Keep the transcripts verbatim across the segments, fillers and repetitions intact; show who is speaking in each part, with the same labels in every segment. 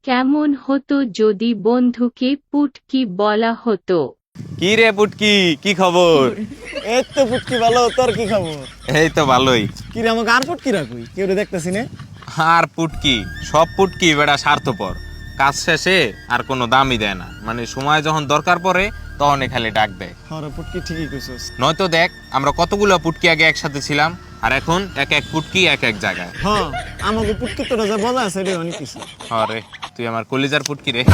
Speaker 1: কেমন হতো যদি বন্ধুকে পুটকি বলা হতো?
Speaker 2: কি রে পুটকি, কি খবর?
Speaker 3: এই তো পুটকি ভালো, তোর কি খবর?
Speaker 2: এই তো ভালোই।
Speaker 3: কি রে আমাকে আর পুটকি রাখুই, কেউ দেখতেছি না।
Speaker 2: আর পুটকি, সব পুটকি বেটা স্বার্থপর, কাজ শেষে আর কোনো দামই দেয় না, মানে সময় যখন দরকার পড়ে তখন খালি ডাক দেয়।
Speaker 3: হ্যাঁ পুটকি ঠিকই কইছস।
Speaker 2: নয়তো দেখ, আমরা কতগুলো পুটকি আগে একসাথে ছিলাম, আর এখন এক এক পুটকি এক এক জায়গায়।
Speaker 3: হ্যাঁ আমাকে পুটকি তোরা যা বলা আছে রে অনেক কিছু।
Speaker 2: আরে তুই আমার কলিজার পুটকি রে।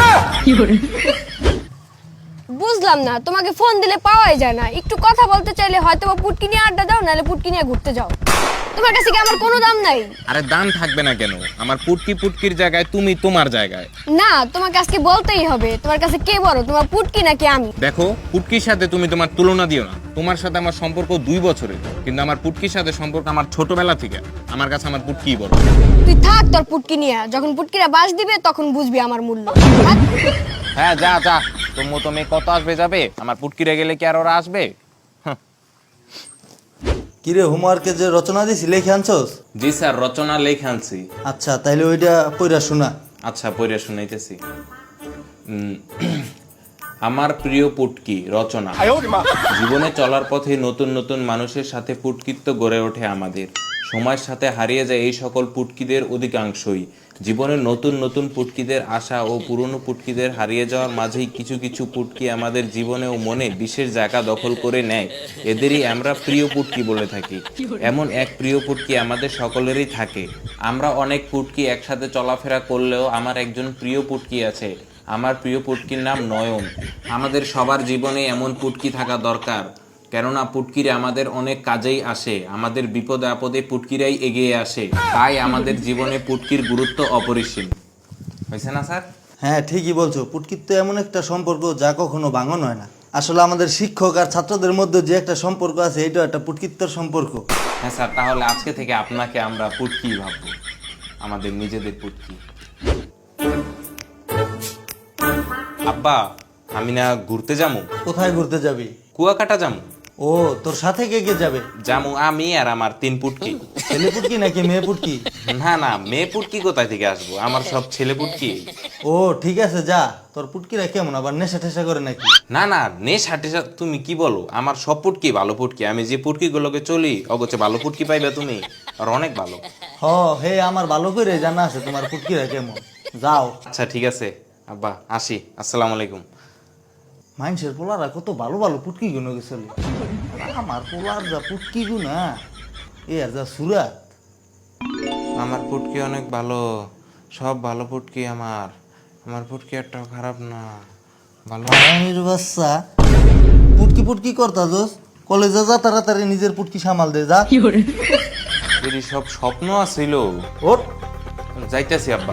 Speaker 4: বুঝলাম না, তোমাকে ফোন দিলে পাওয়াই যায় না। একটু কথা বলতে চাইলে হয়তো বা পুটকি নিয়ে আড্ডা দাও, নাহলে পুটকি নিয়ে ঘুরতে যাও। তোমার কাছে কি আমার কোনো দাম নাই?
Speaker 2: আরে দাম থাকবে না কেন? আমার পুটকি পুটকির জায়গায় তুমি তোমার জায়গায়।
Speaker 4: না, তোমাকে আজকে বলতেই হবে। তোমার কাছে কে বড়, তোমার পুটকি নাকি আমি?
Speaker 2: দেখো, পুটকির সাথে তুমি তোমার তুলনা দিও না। তোমার সাথে আমার সম্পর্ক দুই বছরের, কিন্তু আমার পুটকির সাথে সম্পর্ক আমার ছোটবেলা থেকে। আমার কাছে আমার পুটকিই বড়।
Speaker 4: তুই থাক তোর পুটকি নিয়ে, যখন পুটকিরা বাস দিবে তখন বুঝবি আমার মূল্য। থাক।
Speaker 2: হ্যাঁ যা যা, তোর মতো মেয়ে কত আসবে যাবে, আমার পুটকিরে গেলে কি আর ওরা আসবে?
Speaker 5: কিরে হোমওয়ার্কে যে রচনা দিছি লেখে আনছস?
Speaker 2: জি স্যার, রচনা লেখা আনছি।
Speaker 5: আচ্ছা তাইলে ওইটা পড়া শোনা।
Speaker 2: আচ্ছা পড়ে শুনাইতেছি। উম, আমার প্রিয় পুটকি রচনা। জীবনে চলার পথে নতুন নতুন মানুষের সাথে পুটকিত্ব গড়ে ওঠে আমাদের। সময়ের সাথে হারিয়ে যায় এই সকল পুটকিদের অধিকাংশই। জীবনের নতুন নতুন পুটকিদের আশা ও পুরনো পুটকিদের হারিয়ে যাওয়ার মাঝেই কিছু কিছু পুটকি আমাদের জীবনে ও মনে বিশেষ জায়গা দখল করে নেয়। এদেরই আমরা প্রিয় পুটকি বলে থাকি। এমন এক প্রিয় পুটকি আমাদের সকলেরই থাকে। আমরা অনেক পুটকি একসাথে চলাফেরা করলেও আমার একজন প্রিয় পুটকি আছে। আমার প্রিয় পুটকির নাম নয়ন। আমাদের সবার জীবনে এমন পুটকি থাকা দরকার, কেননা পুটকিরা আমাদের অনেক কাজেই আসে। আমাদের বিপদে আপদে পুটকিরাই এগিয়ে আসে, তাই আমাদের জীবনে পুটকির গুরুত্ব অপরিসীম। হয়েছে না স্যার?
Speaker 5: হ্যাঁ ঠিকই বলছো, পুটকির তো এমন একটা সম্পর্ক যা কখনো ভাঙন হয় না। আসলে আমাদের শিক্ষক আর ছাত্রদের মধ্যে যে একটা সম্পর্ক আছে, এটা একটা পুটকিত্বর সম্পর্ক।
Speaker 2: হ্যাঁ স্যার, তাহলে আজকে থেকে আপনাকে আমরা পুটকি ভাববো, আমাদের নিজেদের পুটকি। আব্বা, আমি না ঘুরতে যাবো।
Speaker 5: কোথায় ঘুরতে যাবি?
Speaker 2: কুয়াকাটা যাবো।
Speaker 5: ও তোর সাথে কে কে যাবে?
Speaker 2: যাবো আমি আর আমার তিন পুটকি।
Speaker 5: ছেলে পুটকি নাকি মেয়ে পুটকি?
Speaker 2: না না, মেয়ে পুটকি কোথায় থেকে আসবো, আমার সব ছেলে পুটকি।
Speaker 5: ও ঠিক আছে যা। তোর পুটকিরা কেমন, আবার নেশা টেশা করে নাকি?
Speaker 2: না না, নেশা টেশা তুমি কি বলো, আমার সব পুটকি ভালো পুটকি। আমি যে পুটকি গুলোকে চলি অগোছে ভালো পুটকি পাইবে তুমি, আর অনেক ভালো।
Speaker 5: হ হে আমার ভালো করে জানা আছে তোমার পুটকিরা কেমন। যাও।
Speaker 2: আচ্ছা ঠিক আছে আব্বা, আসি। আসসালামু আলাইকুম।
Speaker 5: মানুষের পোলারা কত ভালো ভালো পুটকি গুনো গেছিল, আমার পোলার যা পুটকি গুনা এ আর যা সুরাত।
Speaker 2: আমার পুটকি অনেক ভালো, সব ভালো পুটকি আমার। আমার পুটকি একটাও খারাপ না, ভালো।
Speaker 5: আমির বাচ্চা পুটকি পুটকি করতা দোস, কলেজে যা তাড়াতাড়ি নিজের পুটকি সামাল দে যা।
Speaker 2: এরই সব স্বপ্ন আছিল।
Speaker 5: ওঠ।
Speaker 2: যাইতেছি আব্বা।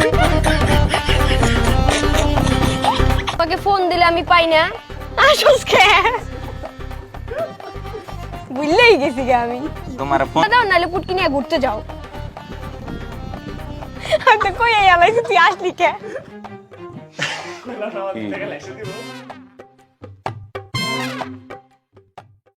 Speaker 4: তোমাকে ফোন দিলে আমি পাই না। আসোস কে? বুঝলেই গেছি গে আমি।
Speaker 2: তোমার ফোন
Speaker 4: দাও, নাহলে পুটকি নিয়ে ঘুরতে যাও। আমি তো কই আলাই তুই আসলি কে?
Speaker 2: কি?